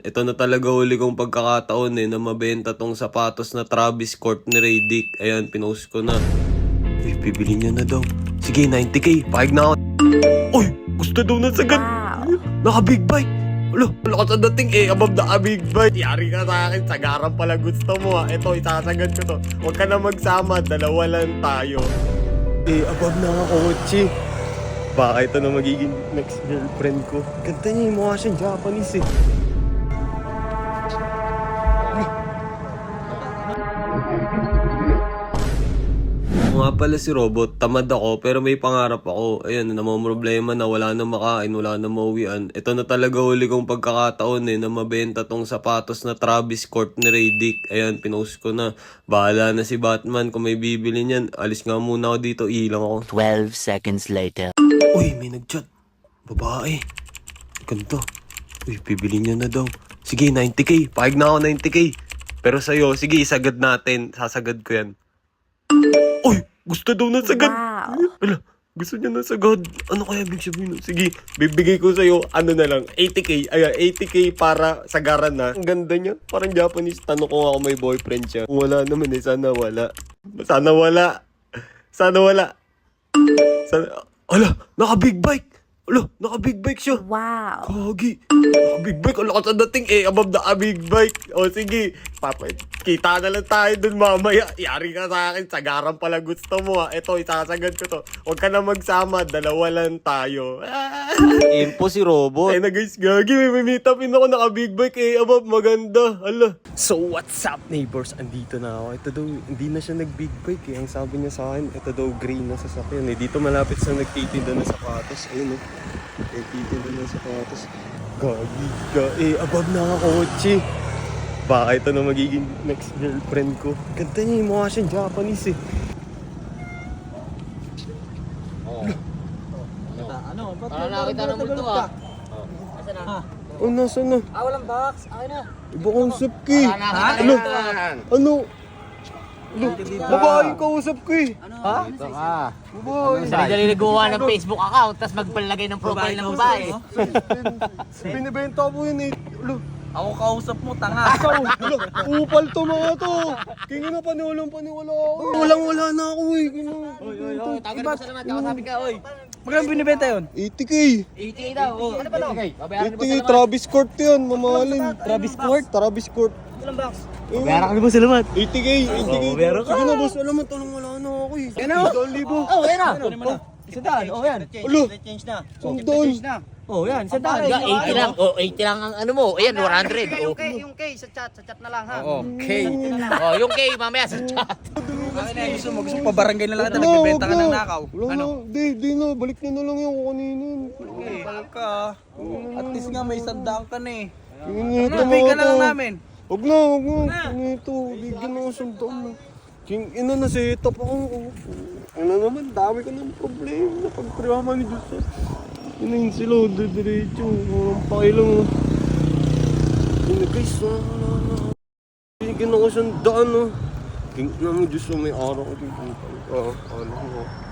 Ito na talaga huli kong pagkakataon na mabenta tong sapatos na Travis Scott ni Raydick. Ayan, pinost ko na. Uy, bibili niya na daw. Sige, 90k. Pahig na ako. Uy, gusto daw na sagad. Wow. Naka-big bike. Wala ka sa dating above naka-big bike. Yari ka sa akin, sagaran pala gusto mo Ito, isasagad ko to. Huwag ka na magsama, dalawa lang tayo. Above na ako, kotse. Baka ito na magiging next girlfriend ko. Ganda niya, mukha siyang Japanese nga pala si Robot, tamad ako pero may pangarap ako. Ayan, namomroblema na wala na makain, wala na mauwian. Ito na talaga huli kong pagkakataon na mabenta tong sapatos na Travis Scott ni Raydick. Ayan, pinost ko na. Bahala na si Batman kung may bibili niyan. Alis nga muna ako dito, ilang ako. 12 seconds later. Uy, may nagchat. Babae. Ganito. Uy, bibili niya na daw. Sige, 90k. Pahig na ako 90k. Pero sa'yo, sige, isagad natin. Sasagad ko yan. Uy, gusto daw na sagad. Wow. Wala, gusto niya na sagad. Ano kaya big sabihin? Sige, bibigay ko sa'yo, ano na lang, 80k. Ayan, 80k para sagaran na. Ang ganda niya. Parang Japanese. Tanong ko nga kung may boyfriend siya. Kung wala naman sana wala. Sana wala. Sana wala. Sana... Ala, naka-big bike. Ala, naka-big bike siya. Wow. Kagi. Naka-big bike. Ala ka sa dating above naka-big bike. O sige, kita na lang tayo dun mamaya. Yari ka sa akin, sagaran pala gusto mo Ito, isasagad ko to. Huwag ka na magsama, dalawa lang tayo. Impo si Robot. Ay na guys, gagi, may meet upin ako, naka-big bike above, maganda. Ala. So what's up neighbors? Andito na ako. Ito daw, hindi na siya nag-big bike Ang sabi niya sa akin, ito daw green na sasakyan Dito malapit sa nagtitinda ng sapatos. Ayun nagtitinda ng sapatos. Gagi ka above na ako, kotse. Baka ito na magiging next girlfriend ko. Ganda niya, mukha siyang Japanese Nakakita ng multo Asan na? Oh, nasa na? Walang box. Akin na. Iba kausap ko Ano? Ano? Babae kausap ko Ha? Ito ka. Dali nagawa ng Facebook account tapos magpalagay ng profile ng babae. Binibenta ko yun Ako kausap mo, tanga. Upal to mga to. Kingin na paniwalang paniwala ako. Walang-wala na ako Tagal mo salamat. Kakasabi ka, oy. Magkano binibenta yun? 80k. 80 daw. Ano ba daw? Babayaran mo 80k Travis Scott yun, mamahalin. Travis Scott? Travis Scott. Ilang box? Bayaran ka mo salamat. 80k. meron ka. Sige na boss, alam mo, wala na ako Yan na. 1,000. Oh, yan na. Isa daan, yan. Ulo, sandal. Yan, isa daan. 80 lang. 80 lang ang ano mo. Ayan, 100. Yung K sa chat na lang ha. Okay. Yung K mamaya sa chat. Gusto mo pabarangay na lang ata, nagbibenta ka ng nakaw. Wala na, di na, balik nyo na lang yung kanina. Okay, ka. At least nga may sandaan ka na Kinito Bigyan na lang namin. Huwag na. Kinito, bigyan ako sandaan. King ina na set up ako. Ano naman, dami ko ng problema. Pagpriyama ni Diyos. Inayin sila, diretso. Walang pakilang. Ina guys, bigyan ako sandaan. King ina mo Diyos, may araw ko dito. Ano ko.